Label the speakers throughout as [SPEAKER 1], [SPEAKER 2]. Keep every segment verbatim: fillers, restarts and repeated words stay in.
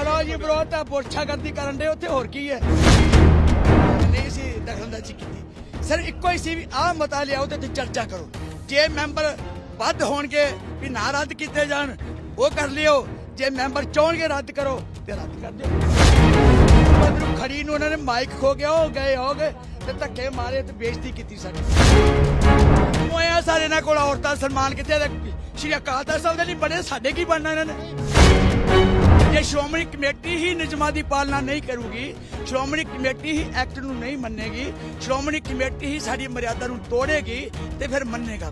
[SPEAKER 1] ਚਲੋ ਜੀ ਵਿਰੋਧ ਤਾਂ ਪੁਰਸ਼ਾਗਰਦੀ ਕਰਨ ਦੇ ਉੱਥੇ ਹੋਰ ਕੀ ਹੈ ਨਹੀਂ ਸੀ ਦਖਲਅੰਦਾਜ਼ੀ ਕੀਤੀ ਸਰ ਇੱਕੋ ਹੀ ਸੀ ਵੀ ਆਹ ਮਤਾ ਲਿਆਓ ਤੇ ਚਰਚਾ ਕਰੋ ਜੇ ਮੈਂਬਰ ਵੱਧ ਹੋਣਗੇ ਵੀ ਨਾ ਰੱਦ ਕੀਤੇ ਜਾਣ ਉਹ ਕਰ ਲਿਓ ਜੇ ਮੈਂਬਰ ਚਾਹਣਗੇ ਰੱਦ ਕਰੋ ਤੇ ਰੱਦ ਕਰ ਦਿਓ ਬਦਰੂ ਖੜੀ ਨੂੰ ਉਹਨਾਂ ਨੇ ਮਾਈਕ ਖੋ ਗਿਆ ਹੋ ਗਏ ਹੋ ਗਏ ਤੇ ਧੱਕੇ ਮਾਰੇ ਤੇ ਬੇਇੱਜ਼ਤੀ ਕੀਤੀ ਸਾਡੀ ਮੋਇਆ ਸਾਰੇ ਨਾਲ ਕੋਲ ਔਰਤਾਂ ਸਨਮਾਨ ਕਿੱਥੇ ਸ਼੍ਰੀ ਅਕਾਲ ਤਖਤ ਸਾਹਿਬ ਦੇ ਨਹੀਂ ਬਣੇ ਸਾਡੇ ਕੀ ਬਣਨਾ ਇਹਨਾਂ ਨੇ ਜੇ ਸ਼੍ਰੋਮਣੀ ਕਮੇਟੀ ਹੀ ਨਿਯਮਾਂ ਦੀ ਪਾਲਣਾ ਨਹੀਂ ਕਰੂਗੀ ਸ਼੍ਰੋਮਣੀ ਕਮੇਟੀ ਹੀ ਐਕਟ ਨੂੰ ਨਹੀਂ ਮੰਨੇਗੀ ਸ਼੍ਰੋਮਣੀ ਕਮੇਟੀ ਹੀ ਸਾਡੀ ਮਰਿਆਦਾ ਨੂੰ ਤੋੜੇਗੀ ਤੇ ਫਿਰ ਮੰਨੇਗਾ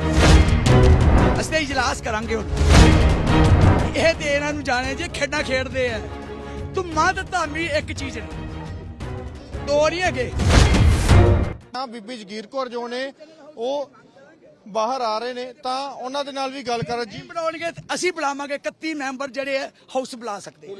[SPEAKER 1] ਅਸੀਂ ਇਜਲਾਸ ਕਰਾਂਗੇ ਹੁਣ ਇਹ ਤੇ ਇਹਨਾਂ ਨੂੰ ਜਾਣੇ ਜੇ ਖੇਡਾਂ ਖੇਡਦੇ ਆ ਤੂੰ ਮਾਂ ਤੇ ਧਾਮੀ ਇੱਕ ਚੀਜ਼ ਨੇ ਦੋ ਨਹੀਂ ਹੈਗੇ
[SPEAKER 2] ਬੀਬੀ ਜਗੀਰ ਕੌਰ ਜੋ ਨੇ ਉਹ ਬਾਹਰ ਆ ਰਹੇ ਨੇ ਤਾਂ ਉਹਨਾਂ ਦੇ ਨਾਲ ਵੀ ਗੱਲ ਕਰ ਜੀ
[SPEAKER 1] ਬਣਾਉਣਗੇ ਅਸੀਂ ਬੁਲਾਵਾਂਗੇ ਇਕੱਤੀ ਮੈਂਬਰ ਜਿਹੜੇ ਆ ਹਾਊਸ ਬੁਲਾ ਸਕਦੇ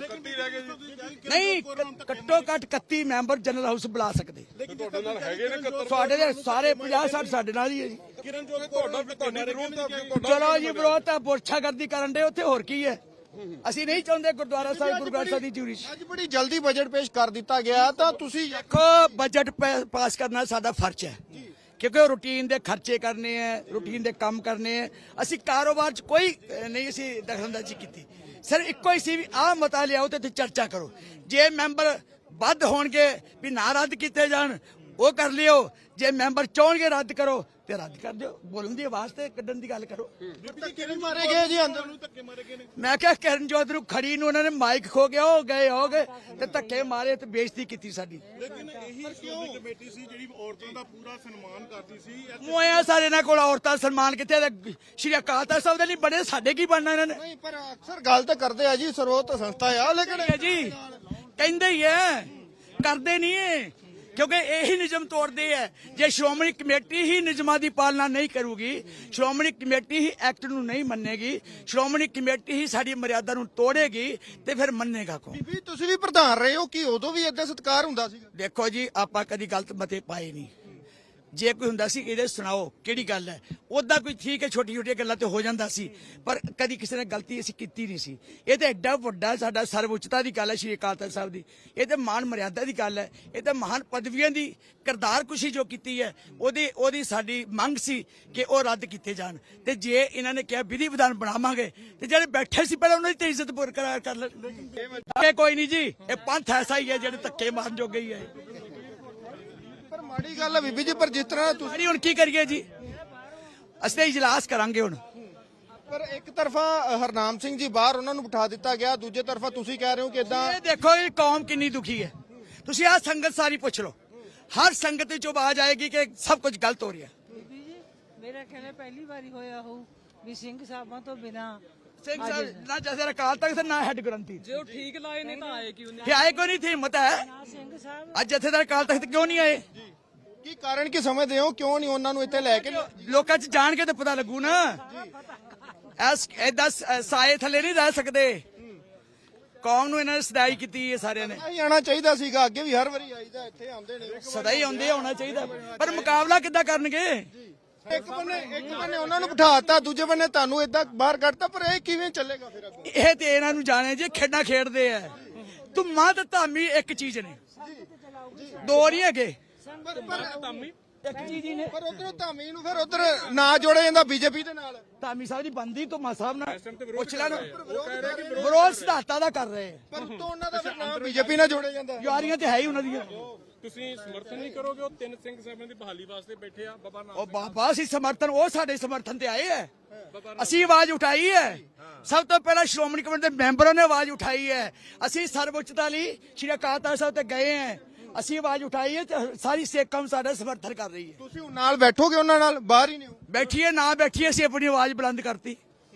[SPEAKER 1] ਨਹੀਂ ਘੱਟੋ ਘੱਟ ਇਕੱਤੀ ਮੈਂਬਰ ਜਨਰਲ ਹਾਊਸ ਬੁਲਾ ਸਕਦੇ
[SPEAKER 3] ਤੁਹਾਡੇ ਨਾਲ ਹੈਗੇ ਨੇ
[SPEAKER 1] ਸਾਡੇ ਦੇ ਸਾਰੇ ਪੰਜਾਹ ਸੱਠ ਸਾਡੇ ਨਾਲ ਹੀ ਹੈ ਜੀ
[SPEAKER 3] ਕਿਰਨ ਜੋਗੀ ਤੁਹਾਡਾ ਵੀ ਤੁਹਾਡੇ ਵਿਰੋਧ
[SPEAKER 1] ਚਲੋ ਜੀ ਵਿਰੋਧ ਤਾਂ ਪੁਰਸ਼ਾਗਰਦੀ ਕਰਨ ਦੇ ਉੱਥੇ ਹੋਰ ਕੀ ਹੈ ਅਸੀਂ ਨਹੀਂ ਚਾਹੁੰਦੇ ਗੁਰਦੁਆਰਾ ਸਾਹਿਬ ਗੁਰੂ ਗ੍ਰੰਥ ਸਾਹਿਬ ਦੀ ਚੂਰੀ
[SPEAKER 2] ਅੱਜ ਬੜੀ ਜਲਦੀ ਬਜਟ ਪੇਸ਼ ਕਰ ਦਿੱਤਾ ਗਿਆ ਤਾਂ ਤੁਸੀਂ
[SPEAKER 1] ਦੇਖੋ ਬਜਟ ਪਾਸ ਕਰਨਾ ਸਾਡਾ ਫਰਜ਼ ਹੈ ਕਿਉਂਕਿ ਉਹ ਰੂਟੀਨ ਦੇ ਖਰਚੇ ਕਰਨੇ ਹੈ ਰੂਟੀਨ ਦੇ ਕੰਮ ਕਰਨੇ ਹੈ ਅਸੀਂ ਕਾਰੋਬਾਰ 'ਚ ਕੋਈ ਨਹੀਂ ਅਸੀਂ ਦਖਲਅੰਦਾਜ਼ੀ ਕੀਤੀ ਸਰ ਇੱਕੋ ਹੀ ਸੀ ਵੀ ਆਹ ਮਤਾ ਲਿਆਓ ਤੇ ਚਰਚਾ ਕਰੋ ਜੇ ਮੈਂਬਰ ਵੱਧ ਹੋਣਗੇ ਵੀ ਨਾ ਰੱਦ ਕੀਤੇ ਜਾਣ ਉਹ ਕਰ ਲਿਓ ਜੇ ਮੈਂਬਰ ਚਾਹਣਗੇ ਰੱਦ ਕਰੋ ਤੇ ਰੱਦ ਕਰ ਦਿਓ ਬੋਲਣ ਦੀ ਆਵਾਜ਼ ਤੇ ਕੱਢਣ ਦੀ ਗੱਲ ਕਰੋ
[SPEAKER 2] ਧੱਕੇ ਮਾਰੇ ਗਏ ਜੀ ਅੰਦਰ ਨੂੰ ਧੱਕੇ ਮਾਰੇ ਗਏ ਨੇ
[SPEAKER 1] ਮੈਂ ਕਿਹਾ ਕਰਨ ਜੋਤ ਨੂੰ ਖੜੀ ਨੂੰ ਉਹਨਾਂ ਨੇ ਮਾਈਕ ਖੋ ਗਿਆ ਹੋ ਗਏ ਹੋ ਗਏ ਤੇ ਧੱਕੇ ਮਾਰੇ ਤੇ ਬੇਇੱਜ਼ਤੀ ਕੀਤੀ ਸਾਡੀ
[SPEAKER 3] ਲੇਕਿਨ ਇਹੀ ਸ਼੍ਰੋਮਣੀ ਕਮੇਟੀ ਸੀ ਜਿਹੜੀ ਔਰਤਾਂ ਦਾ ਪੂਰਾ ਸਨਮਾਨ ਕਰਦੀ ਸੀ
[SPEAKER 1] ਮੋਇਆ ਸਾਰੇ ਨਾਲ ਕੋਲ ਔਰਤਾਂ ਸਨਮਾਨ ਕਿੱਥੇ ਸ਼੍ਰੀ ਅਕਾਲ ਤਖਤ ਸਾਹਿਬ ਦੇ ਨਹੀਂ ਬਣੇ ਸਾਡੇ ਕੀ ਬਣਨਾ ਇਹਨਾਂ ਨੇ
[SPEAKER 2] ਨਹੀਂ ਪਰ ਅਕਸਰ ਗੱਲ ਤਾਂ ਕਰਦੇ ਆ ਜੀ ਸਰਵੋਤ ਸੰਸਥਾ ਆ ਲੇਕਿਨ
[SPEAKER 1] ਜੀ ਕਹਿੰਦੇ ਹੀ ਹੈ ਕਰਦੇ ਨਹੀਂ ਹੈ ਕਿਉਂਕਿ ਇਹੀ ਨਿਯਮ ਤੋੜਦੇ ਹੈ ਜੇ ਸ਼੍ਰੋਮਣੀ ਕਮੇਟੀ ਹੀ ਨਿਯਮਾਂ ਦੀ ਪਾਲਣਾ ਨਹੀਂ ਕਰੂਗੀ ਸ਼੍ਰੋਮਣੀ ਕਮੇਟੀ ਹੀ ਐਕਟ ਨੂੰ ਨਹੀਂ ਮੰਨੇਗੀ ਸ਼੍ਰੋਮਣੀ ਕਮੇਟੀ ਹੀ ਸਾਡੀ ਮਰਿਆਦਾ ਨੂੰ ਤੋੜੇਗੀ ਤੇ ਫਿਰ ਮੰਨੇਗਾ ਕੌਣ
[SPEAKER 2] ਬੀਬੀ ਤੁਸੀਂ ਵੀ ਪ੍ਰਧਾਨ ਰਹੇ ਹੋ ਕਿ ਉਦੋਂ ਵੀ ਏਦਾਂ ਸਤਿਕਾਰ ਹੁੰਦਾ ਸੀ
[SPEAKER 1] ਦੇਖੋ ਜੀ ਆਪਾਂ ਕਦੀ ਗਲਤ ਮਤੇ ਪਾਏ ਨਹੀਂ ਜੇ ਕੋਈ ਹੁੰਦਾ ਸੀ ਇਹਦੇ ਸੁਣਾਓ ਕਿਹੜੀ ਗੱਲ ਹੈ ਉਦਾਂ ਕੋਈ ਠੀਕ ਹੈ ਛੋਟੀ ਛੋਟੀਆਂ ਗੱਲਾਂ ਤੇ ਹੋ ਜਾਂਦਾ ਸੀ ਪਰ ਕਦੀ ਕਿਸੇ ਨੇ ਗਲਤੀ ਅਸੀਂ ਕੀਤੀ ਨਹੀਂ ਸੀ ਇਹ ਤੇ ਐਡਾ ਵੱਡਾ ਸਾਡਾ ਸਰਵਉੱਚਤਾ ਦੀ ਗੱਲ ਹੈ ਸ਼੍ਰੀ ਅਕਾਲ ਤਖਤ ਸਾਹਿਬ ਦੀ ਇਹ ਤੇ ਮਾਨ ਮਰਿਆਦਾ ਦੀ ਗੱਲ ਹੈ ਇਹ ਤੇ ਮਹਾਨ ਪਦਵੀਆਂ ਦੀ ਕਿਰਦਾਰ ਕੁਸ਼ੀ ਜੋ ਕੀਤੀ ਹੈ ਉਹਦੀ ਉਹਦੀ ਸਾਡੀ ਮੰਗ ਸੀ ਕਿ ਉਹ ਰੱਦ ਕੀਤੇ ਜਾਣ ਤੇ ਜੇ ਇਹਨਾਂ ਨੇ ਕਿਹਾ ਵਿਧੀ ਵਿਧਾਨ ਬਣਾਵਾਂਗੇ ਤੇ ਜਿਹੜੇ ਬੈਠੇ ਸੀ ਪਹਿਲਾਂ ਉਹਨਾਂ ਦੀ ਤੇ ਇੱਜ਼ਤ ਬਰਕਰਾਰ ਕਰ ਲੈ ਕੋਈ ਨਹੀਂ ਜੀ ਇਹ ਪੰਥ ਐਸਾ ਹੀ ਹੈ ਜਿਹੜੇ ਧੱਕੇ ਮਾਰਨ ਜੋਗੇ ਹੀ ਹੈ
[SPEAKER 2] ਪਰ ਮਾੜੀ ਗੱਲ ਹੈ ਬੀਬੀ ਜੀ ਪਰ ਜਿਸ ਤਰ੍ਹਾਂ ਤੁਸੀਂ
[SPEAKER 1] ਹੁਣ ਕੀ ਕਰੀਏ ਜੀ ਅਸੀਂ ਇਜਲਾਸ ਕਰਾਂਗੇ ਹੁਣ
[SPEAKER 2] ਪਰ ਇੱਕ ਤਰਫਾ ਹਰਨਾਮ ਸਿੰਘ ਜੀ ਬਾਹਰ ਉਹਨਾਂ ਨੂੰ ਬਿਠਾ ਦਿੱਤਾ ਗਿਆ ਦੂਜੇ ਤਰਫਾ ਤੁਸੀਂ ਕਹਿ ਰਹੇ ਹੋ ਕਿ ਇਦਾਂ
[SPEAKER 1] ਇਹ ਦੇਖੋ ਇਹ ਕੌਮ ਕਿੰਨੀ ਦੁਖੀ ਹੈ ਤੁਸੀਂ ਆਹ ਸੰਗਤ ਸਾਰੀ ਪੁੱਛ ਲਓ ਹਰ ਸੰਗਤ ਵਿੱਚ ਆਵਾਜ਼ ਆਏਗੀ ਕਿ ਸਭ ਕੁਝ ਗਲਤ ਹੋ ਰਿਹਾ
[SPEAKER 4] ਬੀਬੀ ਜੀ ਮੇਰਾ ਖਿਆਲ ਪਹਿਲੀ ਵਾਰੀ ਹੋਇਆ ਹੋ ਵੀ ਸਿੰਘ ਸਾਹਿਬਾਂ ਤੋਂ ਬਿਨਾ
[SPEAKER 1] ਸਿੰਘ ਸਾਹਿਬ ਨਾ ਜੈਸੇ ਅਕਾਲ ਤਖਤ ਨਾ ਹੈਡ ਗ੍ਰੰਥੀ
[SPEAKER 5] ਜੇ ਉਹ ਠੀਕ ਲਾਏ ਨੇ ਤਾਂ ਆਏ ਕਿਉਂ ਨਹੀਂ
[SPEAKER 1] ਇਹ ਆਏ ਕੋਈ ਨਹੀਂ ਥੀ ਹਿੰਮਤ ਹੈ
[SPEAKER 4] ਸਿੰਘ ਸਾਹਿਬ
[SPEAKER 1] ਅੱਜ ਜਥੇਦਾਰ ਅਕਾਲ ਤਖਤ ਕਿਉਂ ਨਹੀਂ ਆਏ
[SPEAKER 2] ਕੀ ਕਾਰਨ ਕੀ ਸਮਝਦੇ ਹੋ ਕਿਉਂ ਨਹੀਂ ਉਹਨਾਂ ਨੂੰ ਇੱਥੇ ਲੈ ਕੇ
[SPEAKER 1] ਲੋਕਾਂ 'ਚ ਜਾਣ ਕੇ ਤਾਂ ਪਤਾ ਲੱਗੂ ਨਾ ਐਸ ਏਦਾਂ ਸਾਏ ਥੱਲੇ ਨਹੀਂ ਰਹਿ ਸਕਦੇ ਕੌਮ ਨੂੰ ਇਹਨਾਂ ਨੇ ਸਦਾਈ ਕੀਤੀ ਹੈ ਸਾਰਿਆਂ ਨੇ
[SPEAKER 2] ਆਈ ਆਣਾ ਚਾਹੀਦਾ ਸੀਗਾ ਅੱਗੇ ਵੀ ਹਰ ਵਾਰੀ ਆਈਦਾ ਇੱਥੇ ਆਉਂਦੇ ਨੇ
[SPEAKER 1] ਸਦਾ ਹੀ ਆਉਂਦੇ ਹੋਣਾ ਚਾਹੀਦਾ ਪਰ ਮੁਕਾਬਲਾ ਕਿੱਦਾਂ ਕਰਨਗੇ
[SPEAKER 2] ਇੱਕ ਬੰਨੇ ਇੱਕ ਬੰਨੇ ਉਹਨਾਂ ਨੂੰ ਬਿਠਾਤਾ ਦੂਜੇ ਬੰਨੇ ਤੁਹਾਨੂੰ ਏਦਾਂ ਬਾਹਰ ਕੱਢਤਾ ਪਰ ਇਹ ਕਿਵੇਂ ਚੱਲੇਗਾ ਫਿਰ ਅੱਗੇ
[SPEAKER 1] ਇਹ ਤੇ ਇਹਨਾਂ ਨੂੰ ਜਾਣੇ ਜੇ ਖੇਡਾਂ ਖੇਡਦੇ ਆ ਤੂੰ ਮਾਂ ਤੇ ਧਾਮੀ ਇੱਕ ਚੀਜ਼ ਨੇ ਦੋ ਨਹੀਂ ਹੈਗੇ ਇੱਕ ਚੀਜ਼ ਹੀ ਨੇ
[SPEAKER 2] ਪਰ ਉਧਰੋਂ ਧਾਮੀ ਨੂੰ ਫਿਰ ਉਧਰ ਨਾ ਜੋੜਿਆ ਜਾਂਦਾ ਬੀਜੇਪੀ ਦੇ ਨਾਲ
[SPEAKER 1] ਧਾਮੀ ਸਾਹਿਬ ਦੀ ਬੰਦੀ ਧੁਮਾ ਸਾਹਿਬ ਨਾਲ ਪੁੱਛ ਲੈਣ ਵਿਰੋਧ ਸਿਧਾਂਤਾਂ ਦਾ ਕਰ ਰਹੇ ਆ
[SPEAKER 2] ਪਰ ਉਤੋਂ ਉਹਨਾਂ ਦਾ ਫਿਰ ਨਾਮ ਬੀਜੇਪੀ ਨਾਲ ਜੋੜਿਆ ਜਾਂਦਾ
[SPEAKER 1] ਯਾਰੀਆਂ ਤੇ ਹੈ ਹੀ ਉਹਨਾਂ ਦੀਆਂ
[SPEAKER 3] ਤੁਸੀਂ ਸਮਰਥਨ ਨਹੀਂ ਕਰੋਗੇ ਉਹ ਤਿੰਨ ਸਿੰਘ ਸਾਹਿਬਾਂ ਦੀ ਬਹਾਲੀ ਵਾਸਤੇ ਬੈਠੇ ਆ ਬਾਬਾ ਨਾਨਕ
[SPEAKER 1] ਉਹ ਬਾਬਾ ਅਸੀਂ ਸਮਰਥਨ ਉਹ ਸਾਡੇ ਸਮਰਥਨ ਤੇ ਆਏ ਹੈ ਅਸੀਂ ਆਵਾਜ਼ ਉਠਾਈ ਹੈ ਸਭ ਤੋਂ ਪਹਿਲਾਂ ਸ਼੍ਰੋਮਣੀ ਕਮੇਟੀ ਦੇ ਮੈਂਬਰਾਂ ਨੇ ਆਵਾਜ਼ ਉਠਾਈ ਹੈ ਅਸੀਂ ਸਰਵਉੱਚਤਾ ਲਈ ਸ਼੍ਰੀ ਅਕਾਲ ਤਖਤ ਸਾਹਿਬ ਤੇ ਗਏ ਹਾਂ ਅਸੀਂ ਆਵਾਜ਼ ਉਠਾਈ ਹੈ ਤੇ ਸਾਰੀ ਸਿੱਖ ਕੌਮ ਸਾਡਾ ਸਮਰਥਨ ਕਰ ਰਹੀ ਹੈ
[SPEAKER 2] ਤੁਸੀਂ ਨਾਲ ਬੈਠੋਗੇ ਉਹਨਾਂ ਨਾਲ ਬਾਹਰ ਹੀ ਨਹੀਂ
[SPEAKER 1] ਬੈਠੀਏ ਨਾ ਬੈਠੀਏ ਅਸੀਂ ਆਪਣੀ ਆਵਾਜ਼ ਬੁਲੰਦ ਕਰਤੀ